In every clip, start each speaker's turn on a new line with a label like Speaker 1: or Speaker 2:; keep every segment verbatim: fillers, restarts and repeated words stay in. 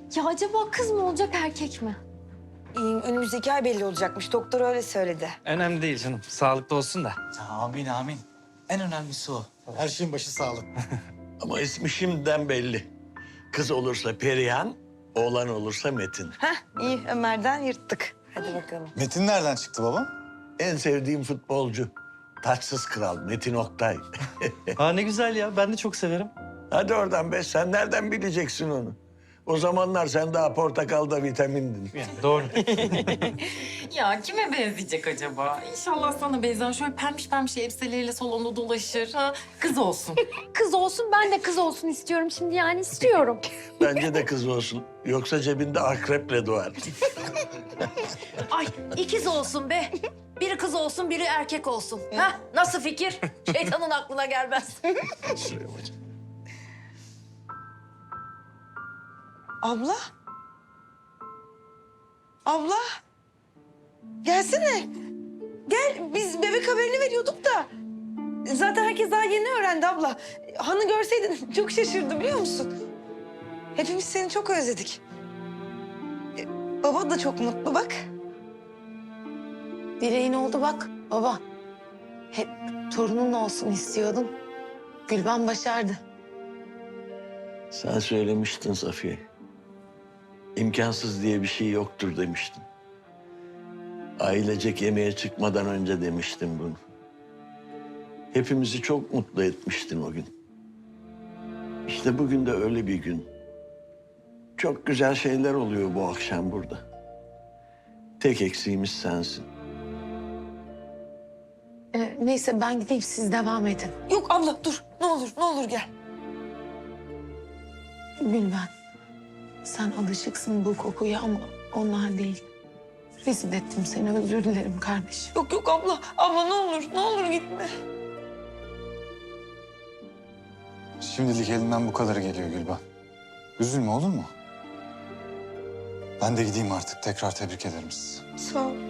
Speaker 1: Ya acaba kız mı olacak erkek mi?
Speaker 2: Ee, önümüzdeki ay belli olacakmış. Doktor öyle söyledi.
Speaker 3: Önemli değil canım. Sağlıklı olsun da.
Speaker 4: Amin amin. En önemlisi o.
Speaker 5: Her şeyin başı sağlık.
Speaker 6: Ama ismi şimdiden belli. Kız olursa Perihan, oğlan olursa Metin.
Speaker 2: Heh, iyi Ömer'den yırttık. Hadi bakalım.
Speaker 5: Metin nereden çıktı baba?
Speaker 6: En sevdiğim futbolcu. Taçsız kral Metin Oktay.
Speaker 3: Aa ne güzel ya. Ben de çok severim.
Speaker 6: Hadi oradan be, sen nereden bileceksin onu? O zamanlar sen daha portakalda vitamindin.
Speaker 3: Yani doğru.
Speaker 7: Ya kime benzeyecek acaba? İnşallah sana benzer. Şöyle pembiş pembiş elbiseleriyle salonda dolaşır. Ha, kız olsun.
Speaker 1: Kız olsun, ben de kız olsun istiyorum şimdi yani istiyorum.
Speaker 6: Bence de kız olsun. Yoksa cebinde akreple doğar.
Speaker 8: Ay ikiz olsun be. Biri kız olsun, biri erkek olsun. Ha? Nasıl fikir? Şeytanın aklına gelmez.
Speaker 2: Abla? Abla? Gelsene. Gel, biz bebek haberini veriyorduk da. Zaten herkes daha yeni öğrendi abla. Hanı görseydin çok şaşırdı biliyor musun? Hepimiz seni çok özledik. E, Baba da çok mutlu bak.
Speaker 9: Dileğin oldu bak baba. Hep torunun olsun istiyordun. Gülben başardı.
Speaker 6: Sen söylemiştin Safiye. İmkansız diye bir şey yoktur demiştin. Ailecek yemeğe çıkmadan önce demiştin bunu. Hepimizi çok mutlu etmiştin o gün. İşte bugün de öyle bir gün. Çok güzel şeyler oluyor bu akşam burada. Tek eksiğimiz sensin.
Speaker 9: Ee, neyse ben gideyim siz devam edin.
Speaker 2: Yok abla dur. Ne olur, ne olur gel.
Speaker 9: Gülben sen alışıksın bu kokuya ama onlar değil. Rezil ettim seni, özür dilerim kardeşim.
Speaker 2: Yok yok abla. Abla ne olur, ne olur gitme.
Speaker 5: Şimdilik elinden bu kadarı geliyor Gülben. Üzülme olur mu? Ben de gideyim artık. Tekrar tebrik ederim sizi.
Speaker 2: Sağ ol.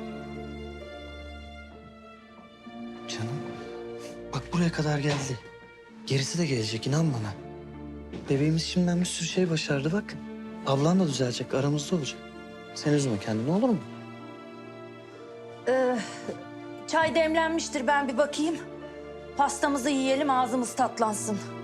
Speaker 3: Canım. Bak buraya kadar geldi. Gerisi de gelecek inan bana. Bebeğimiz şimdiden bir sürü şey başardı bak. Ablan da düzelecek, aramızda olacak. Sen üzme kendini olur mu?
Speaker 8: Ee, çay demlenmiştir, ben bir bakayım. Pastamızı yiyelim, ağzımız tatlansın.